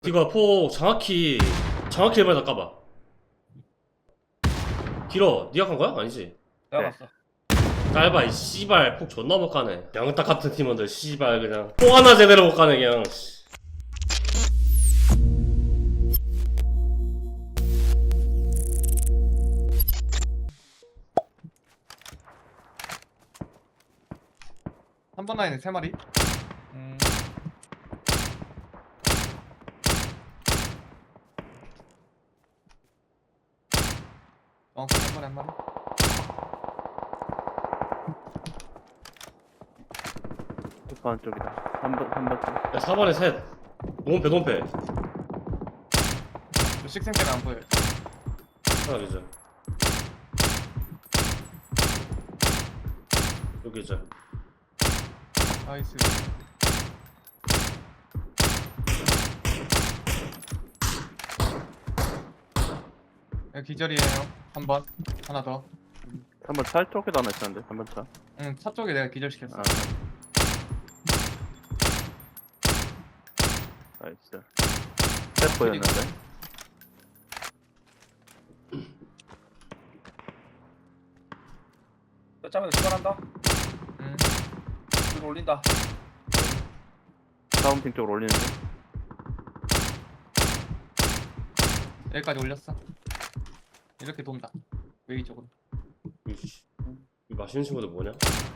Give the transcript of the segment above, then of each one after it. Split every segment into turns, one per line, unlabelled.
이거 폭 정확히 해봐야 까봐. 길어. 니가 간 거야? 아니지?
내가
네.
봤어.
짧아 이 씨발 폭 존나 못 가네. 양딱 같은 팀원들 씨발 그냥 폭 하나 제대로 못 가네 그냥. 씨.
한 번 라인에 3마리. 한 마리 한 마리.
반쪽이다. 3번 쪽.
야 4번에 셋. 논패.
식생 때문에 안 보여요.
하나 기절. 여기 기절.
나이스. 여기 기절이에요. 한 번. 하나 더.
3번 차 쪽에도 하나 있었는데, 3번 차.
응, 차 쪽에 내가 기절시켰어.
아. 나이스. 셋 보였는데.
뼈짜면 출발한다.
응.
줄 올린다.
다운핑 쪽으로 올리는데.
여기까지 올렸어. 이렇게 돈다. 웨이 쪽으로.
이씨. 이 맛있는 친구들 뭐냐?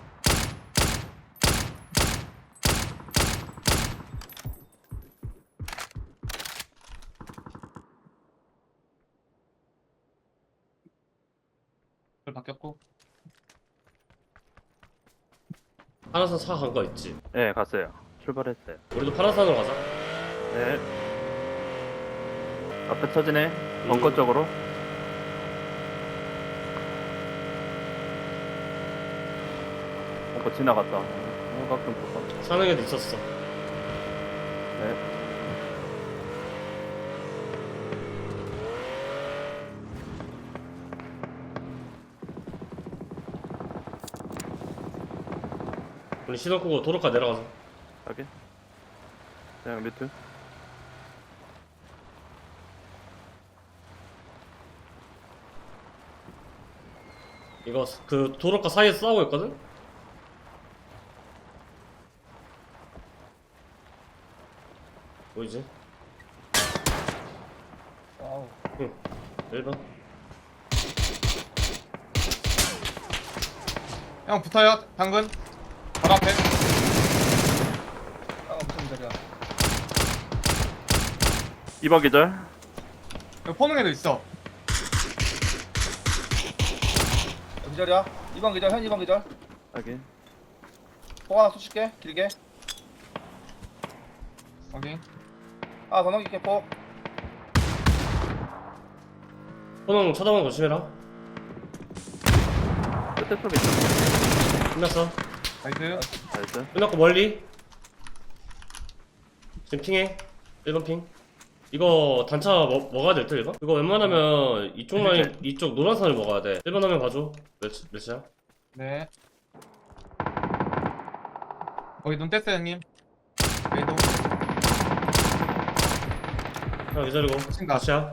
그걸 바뀌었고.
파란산 차 간 거 있지?
네, 갔어요. 출발했어요.
우리도 파란산으로 가자.
네. 앞에 터지네. 벙커 쪽으로. 벙커 지나갔다. 가끔 벙커.
사는 애도 있었어.
네.
우리 시동 끄고 도로가 내려가자.
가게. 그냥 뮤트.
이거 그 도로가 사이에서 싸우고 있거든? 보이지?
와우.
1번.
형 붙어요. 당근. 바로 앞에.
아 무슨 소리야?
2번 기절.
여기 포능에도 있어.
기절이야. 2번 기절. 현 2번 기절.
가게.
포 하나 쏘실게. 길게.
오케이.
아 더 넘길게 포.
호능 쳐다보는 거 조심해라.
끝에 쪽에 있어.
끝났어.
나이스.
나이스.
끝났고 멀리. 지금 핑해. 1번 핑. 이거 단차 먹어야 될 듯, 1번? 이거 웬만하면 이쪽 라인, 이쪽 노란선을 먹어야 돼. 1번 하면 봐줘. 몇이야?
네. 거기 눈 뗐어요, 형님. 웨이도.
하나 기다리고.
친다.
다시야.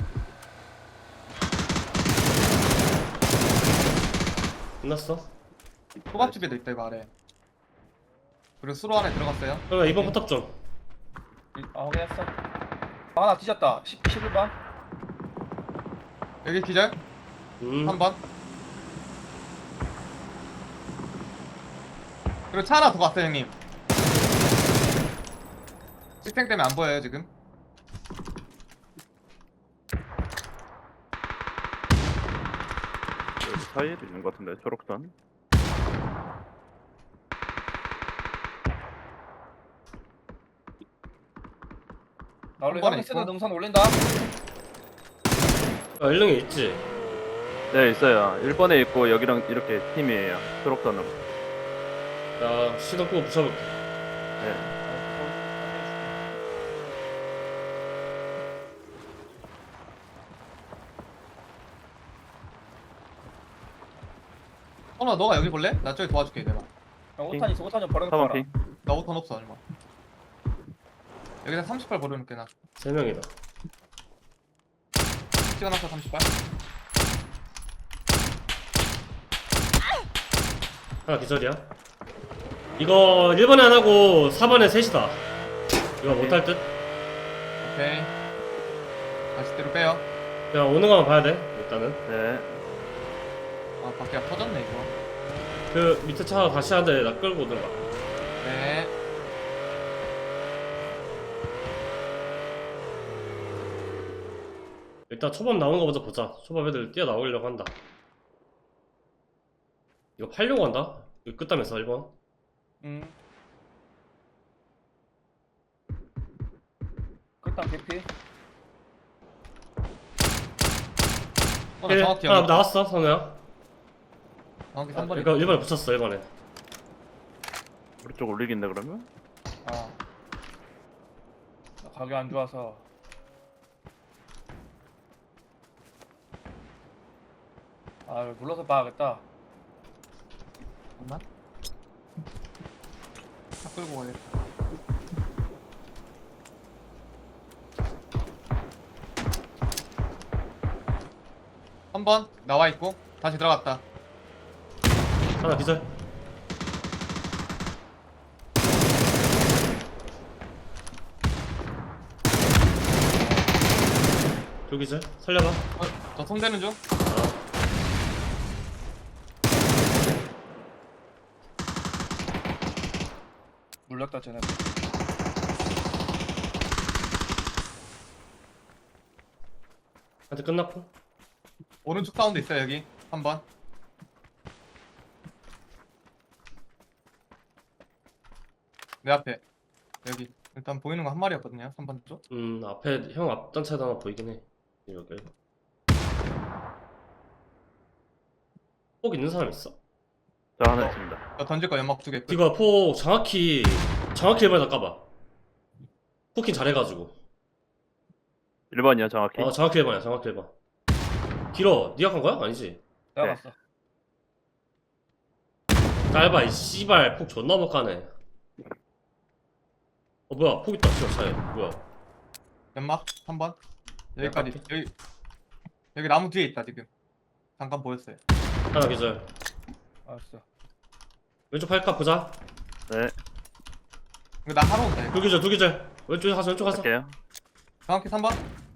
끝났어.
호박집에도 있다, 이거 아래. 그리고 수로 안에 들어갔어요.
그러면 2번 포탑 좀.
아 확인했어. 아 하나 뒤졌다. 11번.
여기 기절. 한 번. 그리고 차 하나 더 갔어요, 형님. 식생 때문에 안 보여요, 지금.
여기 사이에도 있는 것 같은데, 초록선.
나 원래
한 번에
형이 쓰는
있고.
능선 올린다.
아, 1등에 있지?
네, 있어요. 1번에 있고, 여기랑 이렇게 팀이에요. 초록선으로.
나 시동 끄고 붙여볼게.
네.
너가 여기 볼래? 나 저기 도와줄게, 내가.
5탄 있어. 5탄 좀 버려놓고
4번
와라.
핑.
나 5턴 없어, 얼마. 여기다 38 버려놓을게, 나.
3명이다.
찍어놨어 30발.
하나 기절이야. 이거 1번에 안 하고 4번에 셋이다. 이거 못할 듯?
오케이. 다시 뒤로 빼요.
그냥 오는 거만 봐야 돼 일단은.
네.
아 밖에 터졌네 이거.
그 밑에 차 다시 하는데 나 끌고 오든가.
네.
일단 초밥 나오는 거 먼저 보자. 초밥 애들 뛰어나오려고 한다. 이거 팔려고 한다? 이거 끝다면서 1번.
끝단 개피.
나 정확히
하나
여기.
나왔어 선우야.
정확히 3번이.
그러니까 1번에 붙였어 1번에.
오른쪽 올리긴데 그러면?
아. 나 가게 안 좋아서. 아, 이거 눌러서 봐야겠다.
잠깐만. 차 끌고 가야겠다. 한 번 나와 있고 다시 들어갔다.
하나 기절. 둘 기절. 살려봐.
저 손대는 중.
물렸다 쟤네.
한테 끝났고.
오른쪽 사운드 있어요 여기. 한 번. 내 앞에. 여기. 일단 보이는 거 한 마리였거든요. 3번 쪽.
앞에 형 앞단차도 하나 보이긴 해. 여기. 폭 있는 사람 있어?
저 하나 있습니다.
저 던질 거 연막 2개.
이거 폭 정확히 1번에다 까봐. 포킹 잘해가지고.
1번이요 정확히.
정확히 1번이야 정확히 1번. 길어. 니가 간 거야? 아니지.
내가
네.
봤어.
짧아 이 씨발 폭 존나 못 가네. 뭐야 폭 있다 씨발 차에. 뭐야.
연막 한 번. 여기까지.
네,
여기 나무 뒤에 있다 지금. 잠깐 보였어요.
하나 기절.
알았어.
왼쪽 팔까 보자.
네.
이거 나 하러 온다 이거.
둘 기절. 왼쪽에 가서 왼쪽 가서.
할게요.
정확히 3번.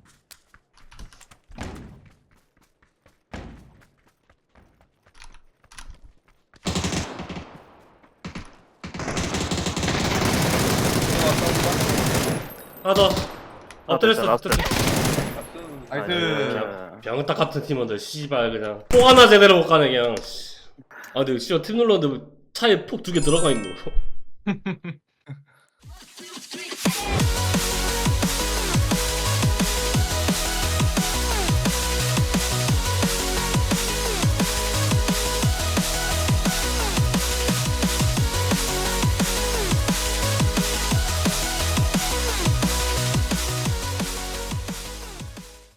하나 더. 엎드렸어.
라스트.
나이스.
나이스.
병딱 같은 팀원들 씨발 그냥 폭 하나 제대로 못 가네 그냥. 씨. 근데 씨발 팀 눌렀는데 차에 폭 2개 들어가 있노.